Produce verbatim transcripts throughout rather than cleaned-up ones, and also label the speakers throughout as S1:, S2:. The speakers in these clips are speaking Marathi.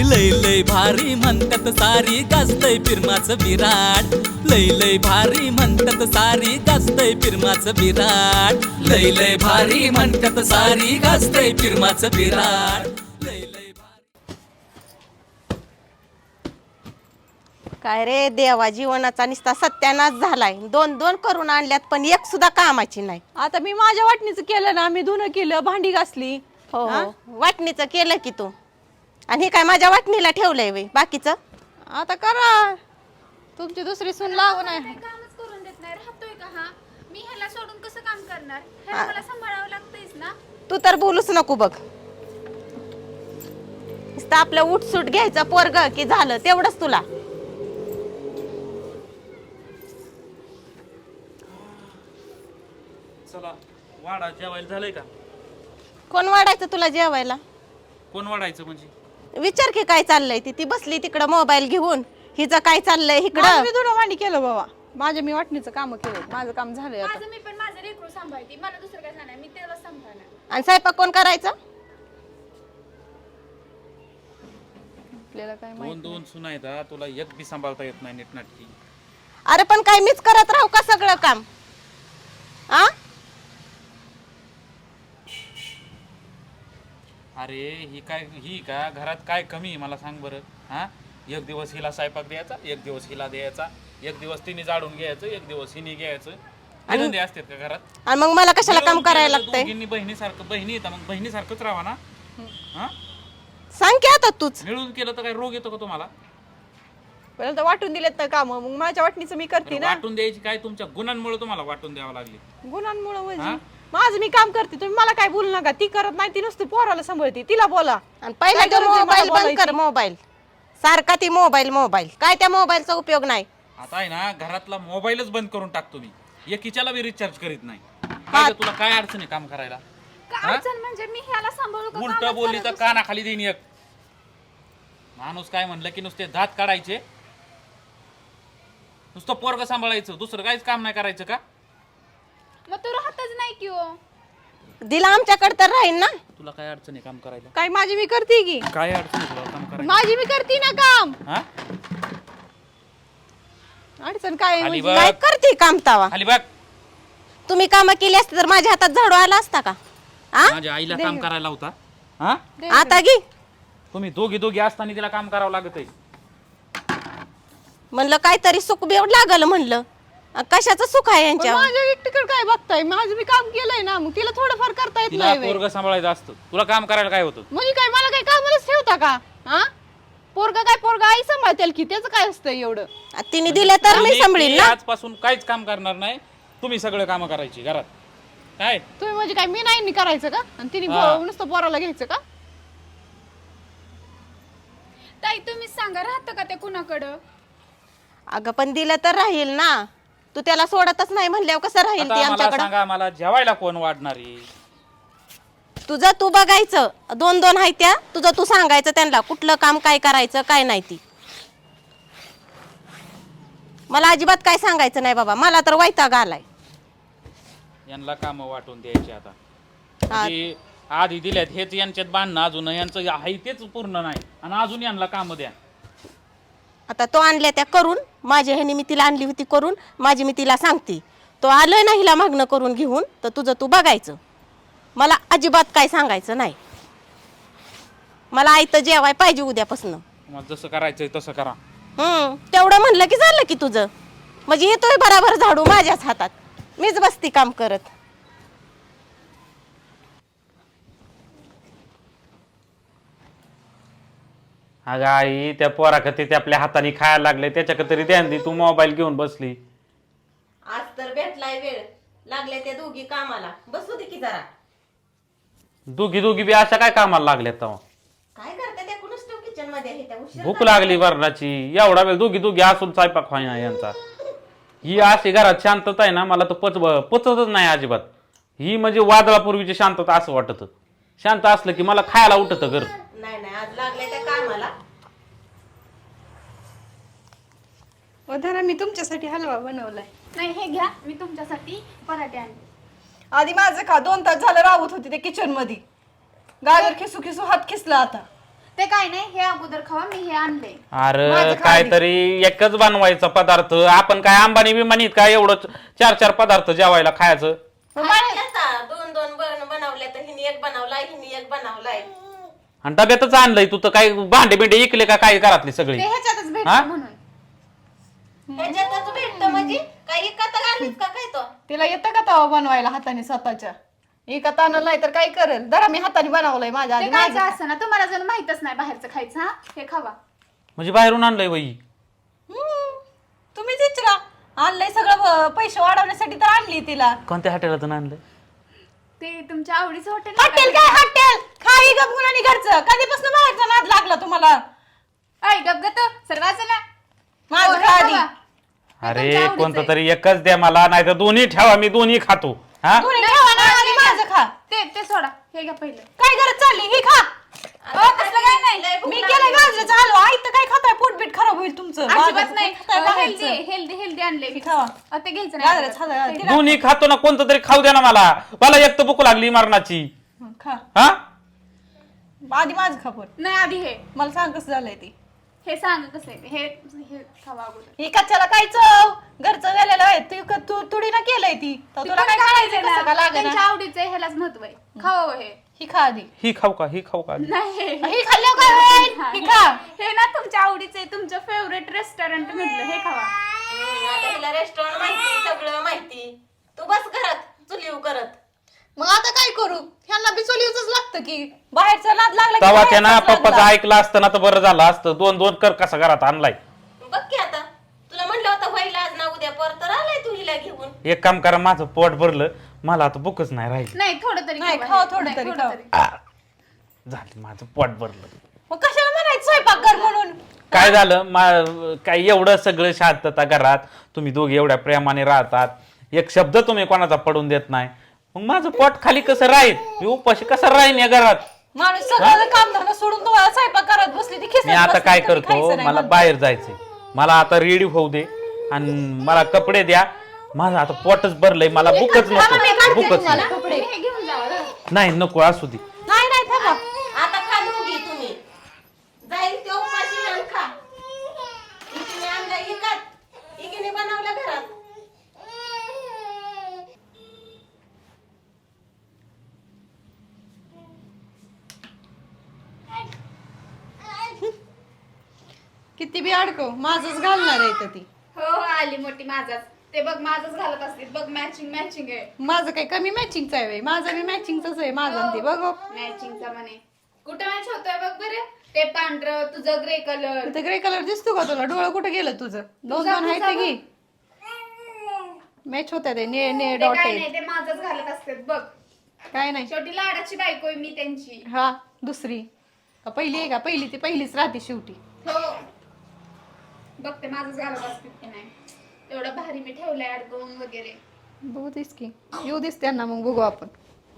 S1: लय लय भारी म्हणतात सारी गाजतय फिरमाचं विराट लय लय भारी म्हणतात सारी गाजतय फिरमाचं विराट लय लय भारी म्हणतात सारी गाजतय फिरमाचं विराट लय लय भारी।
S2: काय रे देवा, जीवनाचा निस्ता सत्यानाश झालाय। दोन दोन करून आणल्यात पण एक सुद्धा कामाची नाही।
S3: आता मी माझ्या वाटणीचं केलं ना, मी धुणं केलं, भांडी घासली।
S2: हो हो, वाटणीचं केलं की तू, आणि हे काय माझ्या वाटणीला ठेवलंय वे बाकीचं?
S3: आता करा, तुमची दुसरी सून लावू नाही।
S4: कामच करून देत नाही, राहतोय का हा? मी ह्याला सोडून कसं काम करणार? ह्याला मला सांभाळावं लागतंयच ना।
S2: तू तर बोलूच नको बघ, नुसतं आपलं उठसूट घ्यायचं पोरग की झालं तेवढंच तुला।
S5: चला वाडा जेवायला झालंय का?
S2: कोण वाढायचं तुला जेवायला?
S5: कोण वाढायचं म्हणजे?
S2: विचार की काय चाललंय ती ती बसली तिकडं मोबाईल घेऊन, हिचं काय चाललंय
S3: माझं
S2: इकडं?
S3: मी धुणं भांडी केलं बाबा, माझ्या मी वाटणीचं काम केलं, माझं काम झालंय आता।
S4: माझं मी पण माझं लेकरू सांभाळते, मला दुसरं काय नाही, मी त्याला सांभाळणार।
S2: आणि स्वयंपाक कोण करायचं?
S3: आपल्याला काय
S5: दोन
S3: माहित
S5: दोन सुना आहेत हा, तुला एक बी सांभाळता येत नाही नीटनाटकी।
S2: अरे पण काय मीच करत राहू का सगळं काम? आ
S5: अरे ही काय ही का घरात काय कमी आहे मला सांग बरं हा? एक दिवस हिला स्वयंपाक द्यायचा, एक दिवस हिला द्यायचा, एक दिवस तिने जाडून घ्यायचं, एक दिवस हिने घ्यायचं। धंदे असतात का घरात?
S2: आणि मग मला कशाला काम करायला लागतंय?
S5: दोघींनी बहिणीसारखं, बहिणी येतात मग बहिणीसारखंच राहा ना हा?
S2: सांग की आता तूच।
S5: मिळून केलं तर काय रोग येतो का तुम्हाला?
S3: पहिलं तर वाटून दिलेत ना काम, मग माझ्या वाटणीचं मी करते
S5: बरं,
S3: ना।
S5: वाटून द्यायची काय? तुमच्या गुणांमुळे तुम्हाला वाटून द्यावं लागली।
S3: गुणांमुळे
S5: हा?
S3: म्हणजे माझं मी काम करते, तुम्ही मला काय बोलू नका। ती करत नाही, ती नुसती पोराला सांभाळते, तिला बोला।
S2: आणि पहिला
S3: काय
S2: तो
S3: गरज आहे मला
S2: मोबाईल बंद कर,
S3: बोलायची?
S2: मोबाईल सारखा ती मोबाईल मोबाईल काय त्या मोबाईलचा उपयोग नाही।
S5: आता आहे ना, घरातला मोबाईलच बंद करून टाकतो मी, एकीच्याला बी रिचार्ज करीत नाही। काय ग, तुला काय अडचण आहे काम करायला?
S4: का अडचण म्हणजे मी ह्याला सांभाळू का?
S5: उलट
S4: कामच
S5: बोलली तर
S4: करत
S5: कानाखाली देईन एक। माणूस काय म्हणलं की नुसते दात काढायचे, नुसतं पोरग सांभाळायचं, दुसरं काहीच काम नाही करायचं का?
S4: बसू. मग तू राहतच नाही की हो।
S2: दिला आमच्याकडे तर राहील ना।
S5: तुला काय अडचण आहे काम करायला?
S3: काय माझी मी करते की,
S5: काय अडचण आहे तुला काम करायला?
S3: माझी मी करते ना काम।
S5: हा?
S3: अडचण काय आहे
S5: खाली
S3: म्हणजे?
S5: बघ,
S2: काय करते काम तावा?
S5: खाली बघ।
S2: तुम्ही काम केली असते तर माझ्या हातात झाडू आला असता का? आ
S5: माझ्या आईला काम करायला होता हा?
S2: आता घे
S5: तुम्ही दोघी दोघी असताना तिला काम करावं लागत आहे।
S2: म्हणलं काहीतरी सुख बिव लागल म्हणलं, अ, कशाचं सुख आहे
S3: पण
S2: यांच्या?
S3: माझ्या एकटीकडे काय बघताय? माझं मी काम केलंय ना, मग तिला थोडंफार करता येत
S5: तिला
S3: नाही व्हय.
S5: पोरग सांभाळायचं असतं, तुला काम करायला काय होतं?
S3: म्हणजे काय मला काय कामालाच ठेवता का? हा, पोरगा काय पोरगा आई सांभाळतेल की, त्याचं काय असतं एवढं?
S2: आ, तिने दिलं तर मी
S5: तुम्ही
S2: सांभाळीन
S5: ती
S2: ना।
S5: आजपासून काहीच काम करणार नाही, तुम्ही सगळं काम करायची घरात। काय
S3: तुम्ही म्हणजे काय मी नाही करायचं का? आणि तिने
S5: हा.
S3: पो- नुसतं पोराला घ्यायचं का?
S4: ताई तुम्हीच सांगा, राहतं का ते कुणाकडं?
S2: अगं पण दिलं तर राहील ना, तू त्याला सोडतच नाही म्हणल्यावर कसं राहील ती
S5: आता मला
S2: आमच्याकडं?
S5: सांगा, मला जेवायला कोण वाढणारी?
S2: तुझं तू बघायचं, दोन दोन आहे त्या, तुझं तू सांगायचं त्यांना कुठलं काम काय करायचं काय नाही ती। मला अजिबात काय सांगायचं नाही बाबा, मला तर वैताग आलाय।
S5: यांना काम वाटून द्यायचे आता।
S2: हा.
S5: म्हणजे आधी दिल्यात हेच यांच्यात बांधणं, अजून यांचं आहे तेच पूर्ण नाही, आणि अजून यांना काम द्या।
S2: आता तो आणल्या त्या करून, माझ्या ह्याने मी तिला आणली होती करून, माझी मी तिला सांगते, तो आलोय ना हिला मागणं करून घेऊन, तर तुझं तू बघायचं, मला अजिबात काय सांगायचं नाही। मला आयतं जेवाय पाहिजे उद्यापासून।
S5: तुम्हाला जसं करायचंय तसं करा।
S2: हम्म तेवढं म्हणलं की झालं की तुझं, म्हणजे येतोय बराबर झाडू माझ्याच हातात, मीच बसती काम करत।
S5: अगं आई, त्या पोराखती ते आपल्या हाताने खायला लागले, त्याच्याकडे तरी ध्यान दे, तू मोबाईल घेऊन बसली।
S2: आज तर भेटलाय वेळ, लागले त्या दोघी कामाला, बसू दे की जरा।
S5: दोघी दोघी बी अशा काय कामाला लागल्यात तेव्हा?
S2: काय करते त्या कुणच किचन मध्ये आहे त्या उशीर
S5: भूक लागली वरणाची, एवढा वेळ दोघी दोघी असून स्वयंपाक व्हायना यांचा। ही अशी घरात शांतता आहे ना, मला तर पच पचतच नाही अजिबात। ही म्हणजे वादळापूर्वीची शांतता असं वाटत, शांत असलं की मला खायला उठत घर।
S2: नाही नाही, आज लागले त्या कामाला।
S3: वधारा मी तुमच्यासाठी हलवा बनवलाय।
S4: नाही हे घ्या, मी तुमच्यासाठी पराठे आणले।
S3: आधी माझं का दोन तास झालं राहत होती ते किचन मध्ये, गाजर खिसू खिसू हात खिसला आता।
S4: ते काय नाही, हे अगोदर खावा, मी हे आणले.
S5: अरे काहीतरी एकच बनवायचा पदार्थ. आपण काय अंबानी बिमानीत काय एवढं चार चार पदार्थ जेवायला खायचं?
S2: दोन दोन बनवले तर हिने एक बनवलाय, हिने एक बनवलाय.
S5: आणि डब्यातच आणलंय तू तर काय भांडे बिंडे इकले का काय घरातले सगळे?
S4: ते ह्याच्यातच
S5: हा?
S4: भेटतं म्हणून.
S2: ह्याच्यातच भेटतं म्हणजे काही इकत घालीत का काय तो?
S3: तिला येतं का तवा बनवायला हाताने स्वतःच्या? एका ताना नाही तर काय करेल? जरा मी हाताने बनवलंय माझ्या
S4: ते
S3: आधी.
S4: काय
S3: माझं-
S4: असं ना, तुम्हाला जर माहितच नाही बाहेरचं खायचं. हा, हे खावा.
S5: म्हणजे बाहेरून आणलंय बाई?
S3: हम्म. तुम्हीच विचारा. आणलंय सगळं ब- पैसे वाढवण्यासाठी तर आणली तिला.
S5: कोणत्या हॉटेलातून आणलंय?
S4: ते तुमच्या आवडीचं हॉटेल
S3: हॉटेल काय हॉटेल? खाई गप गुणानी घरचं. कधीपासून बाहेरचा नाद लागला तुम्हाला?
S4: काय गपगत सर्वांना
S3: माझं खा आधी.
S5: अरे कोणतं तरी एकच द्या मला, नाही तर दोन्ही ठेवा, मी दोन्ही खातो. हा
S3: दोन्ही ठेवा ना, आधी माझं खा.
S4: ते ते सोडा, हे घ्या पहिलं.
S3: काय गरज चालली? ही खा.
S4: अहो, तसलं काय नाही.
S3: मी केलंय गाजराचं हलवा. आई तर काय खाताय? पोटबीट खराब होईल तुमचं.
S4: अजिबात
S3: गाजराचं
S4: नाही.
S3: काय खाताय
S4: हेल्दी
S3: बाहेरचं?
S4: हेल्दी हेल्दी आणले मी.
S3: खावा.
S4: अहो, ते घ्यायचं
S3: गाजराचं
S4: नाही.
S3: हलवा. तिला-
S5: दोन्ही खातो ना, कोणतं तरी खाऊ द्या ना मला. मला एक तर भूक लागली मरणाची.
S3: हं, खा.
S5: हा
S3: आधी माझं खा पण.
S4: नाही, आधी हे
S3: मला सांग कसं झालंय ते.
S4: हे सांग कसं आहे ते. हे हे खावा अगोदर.
S3: ही कच्च्याला काय चव? घरचं गेलेलं आहे. तू क- तू तुडी ना केलंय ती. तर तुला काय करायचं कसं का लागेना?
S4: त्यांच्या आवडीचं आहे, ह्यालाच महत्व आहे. खावा हे.
S3: ही खा आधी.
S5: ही खाऊ का? ही खाऊ का?
S4: नाही हे.
S3: ही खाल्ल्यावर काय होईल?
S4: हा,
S3: ही
S4: हे-
S3: खा.
S4: हे ना तुमच्या आवडीचं आहे, तुमचं फेवरेट रेस्टॉरंट म्हटलं, हे खावा.
S2: आता हिला रेस्टॉरंट माहिती, सगळं माहिती. तू बस घरात चुलीव करत.
S3: मग आता काय करू? ह्यांना बी चोलीवच लागतं की बाहेरचा नाद लागला की
S5: तवा त्यानं
S3: बाहेरचाच नाद
S5: पप्पाचं
S3: लागला.
S5: ऐकलं असतं ना तर बरं झालं असतं. दोन दोन कर कसा घरात आणलाय.
S2: बघ की आता तुला म्हणलं होतं व्हायला आज ना उद्या पर तर आलाय तू हिला घेऊन.
S5: एक काम करा, माझं पोट भरलं, मला आता भूकच नाही राहिली.
S4: नाही, थोडं तरी
S3: नाही,
S4: खावा
S3: खावा
S4: हे.
S3: थोडं
S4: नाही,
S3: तरी,
S4: थोडं
S3: खावा.
S4: तरी.
S5: आ, झालं माझं पोट भरलं.
S3: मग कशाला म्हणायचं स्वयंपाक कर म्हणून?
S5: काय झालं मा- काय एवढं सगळं शांतता घरात, तुम्ही दोघे एवढ्या प्रेमाने राहतात, एक शब्द तुम्ही कोणाचा पडून देत नाही, मग माझं पोट खाली कसं राहील? मी उपाशी कसं राहीन या घरात?
S3: माणूस सगळं काम धरणं सोडून तुम्हाला स्वयंपाक करत बसली ती खिसत
S5: मी आता
S3: बसली,
S5: काय
S3: कधी
S5: करतो,
S3: खायचं नाही
S5: मला
S3: म्हणते.
S5: बाहेर जायचंय, मला आता रेडी होऊ दे आणि मला कपडे द्या. माझं आता पोटच भरलंय, मला भूकच
S3: थांबा, मी
S5: नको,
S3: काढते
S5: भूकच
S3: तुम्हाला
S5: नाही.
S3: कपडे.
S4: हे घेऊन जावा जरा.
S5: नाही नको, असू दे.
S3: नाही नाही थांबा.
S2: आता खा दोघी तुम्ही. जाईल ते उपाशी आणि खा. इकडे आणलं इकत, इकडे बनवलं घरात.
S3: किती बी अडकव माझंच घालणार आहे इथं ती.
S4: हो हो, आली मोठी माझाच. ते बघ माझंच घालत असते. बघ मॅचिंग मॅचिंग आहे.
S3: माझं काही कमी मॅचिंगचं आहे व्हय? माझं बी मॅचिंगच आहे माझं आणि ते बघ
S4: मॅचिंगचा म्हणे. कुठं मॅच होतोय बघ बरं. ते पांढरं, तुझं ग्रे कलर.
S3: ते ग्रे कलर दिसतो का तुला? डोळं कुठं गेलं तुझं? दोन दोन आहेत ते घे. मॅच होत्या ते ने ने
S4: ते
S3: डॉट
S4: काय
S3: आहेत.
S4: नाही, ते माझंच घालत असते बघ.
S3: काय नाही.
S4: शेवटी लाडाची बायको आहे मी त्यांची.
S3: हा दुसरी का पहिली आहे का? पहिली ती पहिलीच राहते शेवटी.
S4: हो, बघ ते माझंच घालत असते की नाही. एवढं भारी मी ठेवलंय अडकवून वगैरे.
S3: बघू दिस की येऊ दिस त्यांना, मग बघू आपण.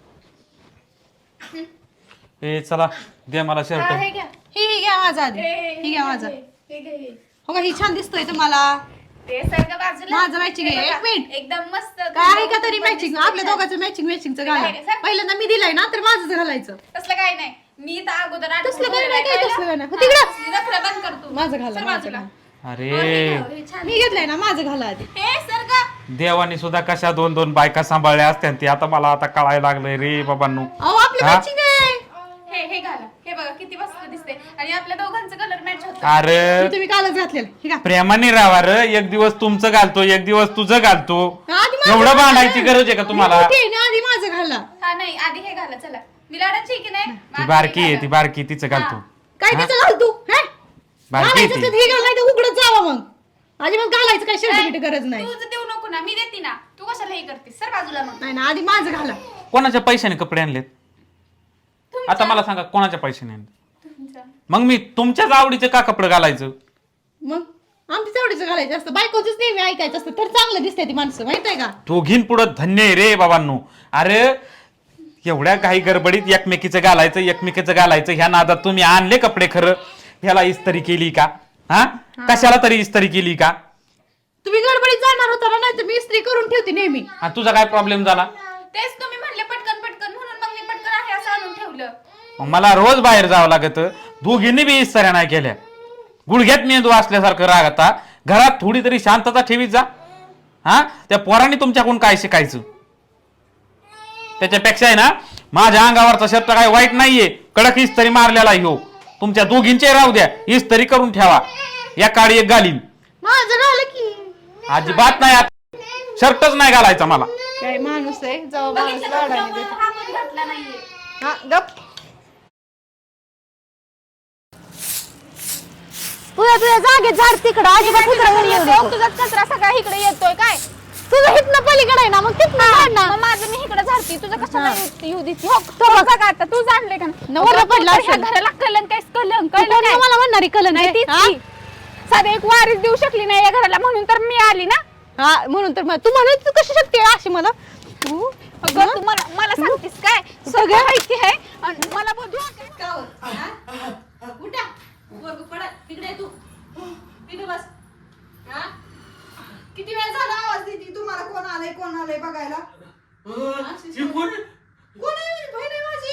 S5: ए चला द्या मला
S4: हा,
S5: शर्ट.
S4: हे घ्या.
S3: ही ही घ्या माझा आधी.
S4: हे- हे-
S3: ही घ्या माझा.
S4: हे- हे घे, हे.
S3: हो का? ही छान दिसतोय तुम्हाला.
S4: ते सारखं बाजूला.
S3: माझं matching आहे.
S4: हे बघा,
S3: एक मिनिट.
S4: एकदम मस्त.
S3: काय आहे का तरी मॅचिंग? आपल्या दोघांचं मॅचिंग मॅचिंगचं घाला.
S4: काय रे, सर?
S3: पहिल्यांदा मी दिलाय ना तर माझंच घालायचं.
S4: तसलं काय नाही. मी तर अगोदर आठवून
S3: तसलं काय नाही,
S4: ठेवलंय,
S3: काय
S4: कळलं?
S3: तसलं काय नाही. हो,
S4: हा,
S3: तिकडं.
S4: असली नखरं बंद कर तू.
S3: माझं घाला,
S4: सर
S3: माझं
S4: बाजूला.
S3: घाला.
S5: अरे
S4: हो, हे घ्या, हे छान.
S3: मी घेतलंय ना, माझं घाला आधी.
S4: हे सर का?
S5: देवाने सुद्धा कशा दोन दोन बायका सांभाळल्या असत्या ती आता मला आता कळायला लागलंय रे बाबांनो.
S3: अहो आपली
S5: हा?
S3: मॅचिंग आहे.
S4: हे हे घाला. हे बघा किती मस्त दिसते आणि आपल्या दोघांचं कलर मॅच होतं.
S5: अरे
S3: हे तुम्ही कालच घातलेलं. हे का?
S5: प्रेमाने राहा र, एक दिवस तुमचं घालतो, एक दिवस तुझं घालतो.
S3: आधी माझं
S5: एवढं
S3: घाला.
S5: भांडायची गरज आहे का तुम्हाला?
S3: मी मोठी आहे ना, आधी माझं घाला.
S4: हा नाही, आधी हे घाला चला. मी लाडाची आहे की नाही?
S5: ती
S4: माझं
S5: बारकी
S4: हे
S5: आहे,
S4: घाला.
S5: ती बारकी तिचं घालतो.
S4: हा.
S3: काय
S5: हा?
S3: त्याचं घाल तू? हे?
S5: बारकी
S3: घालायचं
S5: आहे ती.
S3: तर हे घाल, नाही तर उघडत जावा मग. अजिबात घालायचं काय शर्ट गरज नाही.
S4: तू देऊ नको ना, मी देते ना. तू कशाला हे करतेस? सर बाजूला मग.
S3: नाही ना, आधी माझं घाला.
S5: कोणाच्या पैशाने कपडे आणलेत?
S4: तुमच्या-
S5: आता मला सांगा कोणाच्या पैशाने आणले?
S4: तुमच्या.
S5: मग मी तुमच्याच आवडीचे का कपडे घालायचं?
S3: मग आमच्या तेवढीच घालायचं असतं. बायकोच नेहमी ऐकायचं असतं तर चांगलं दिसते ती माणसं, माहित आहे का?
S5: दोघीं पुढं धन्य आहे रे बाबांनो. अरे एवढ्या काही गडबडीत एकमेकीचं घालायचं एकमेकीचं घालायचं ह्या नादात तुम्ही आणले कपडे. खरं ह्याला इस्त्री केली का? हा कशाला तरी इस्त्री केली का?
S3: तुम्ही गडबडीत जाणार होता ना, नाही तर मी इस्त्री करून ठेवते नेहमी.
S5: आणि तुझा काय प्रॉब्लेम झाला?
S4: तेच तुम्ही म्हणले पटकन पटकन म्हणून मग मी पटकन आहे असं आणून ठेवलं.
S5: मग मला रोज बाहेर जावं लागत. दोघींनी बी इस्ताऱ्या नाही केल्या. गुडघ्यात मेंदू असल्यासारखं राग आता. घरात थोडी तरी शांतता ठेवीत जा. हा त्या पोरांनी तुमच्याकडून काय शिकायचं. त्याच्यापेक्षा आहे ना माझ्या अंगावरचा शर्ट काय वाईट नाहीये. कडक इस्त्री मारलेला ह्यो. तुमच्या दोघींचे राहू द्या. इस्त्री करून ठेवा. या काळी एक घालीन.
S3: माझं झालं की.
S5: अजिबात नाही आता. शर्टच नाही घालायचा मला.
S3: काय माणूस आहे जाऊ माणूस लाडाने देतो.
S4: हा पण घातला नाहीये.
S3: हा गप.
S2: तुझ्या तुझ्या जागेत झाड तिकडं अजिबात उतरावर येऊ नको.
S3: तुझा कचरा सगळा इकडे येतोय काय?
S2: तुझं हितनं पलीकडे आहे ना मग तिथनं काढ ना.
S3: मग माझं मी इकडे झाडती तुझं कशाला येऊ देती. हो तो बघा का आता तू जाणले का
S2: नवरा पडला
S3: ह्या
S2: असेल.
S3: घराला कलंक काय कलंक
S2: तू
S3: कळलं
S2: कोण
S3: काय?
S2: मला म्हणणारी कल
S3: नाही तीच की. साधे एक वारीस देऊ शकली नाही या घराला म्हणून तर मी आली ना.
S2: हा म्हणून तर मग- तू म्हणत तू कशी शक्ती आहे अशी मला तू
S3: अगं तू मला मला सांगतेस काय सगळं माहिती आहे आणि मला बोलू
S2: उठा वर्ग पडा तिकडे तू तिकडे बस. हा किती वेळ झाला आवाज देती तुम्हाला कोण आलंय कोण आलंय बघायला. कोण आहे बहीण आहे माझी.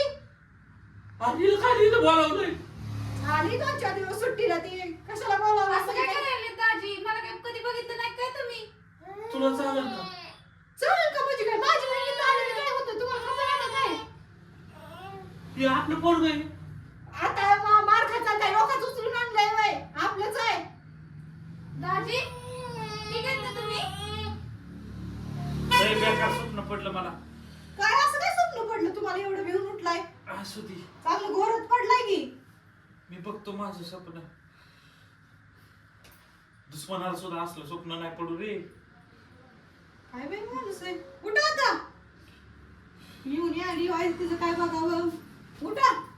S2: आली दोन चार दिवस सुट्टीला ती कशाला बोलावं असं काय
S4: करायला दाजी मला काय कधी बघितलं नाही काय तुम्ही?
S6: तुला चालेल का?
S2: चालेल का म्हणजे काय माझी बहीण इथं आलेली काय होतं तुम्हाला कसं वाटत आहे.
S6: हे आपलं पोरग आहे.
S2: आता मा- मार खायचा काय लोकांच उचलून आणलंय वय आपलंच आहे.
S4: दाजी ठीक आहे ना तुम्ही?
S6: लय बेकार स्वप्न पडलं मला.
S2: काय असं काय स्वप्न पडलं तुम्हाला एवढं भिवून उठलाय.
S6: असू दे.
S2: चांगलं घोरत पडलाय की.
S6: मी बघतो माझं स्वप्न. दुश्मनाला सुद्धा असलं स्वप्न नाही पडू रे.
S2: काय बाई माणूस आहे. उठा आता. येऊन आली वाईट तिचं काय बघावं. उठा.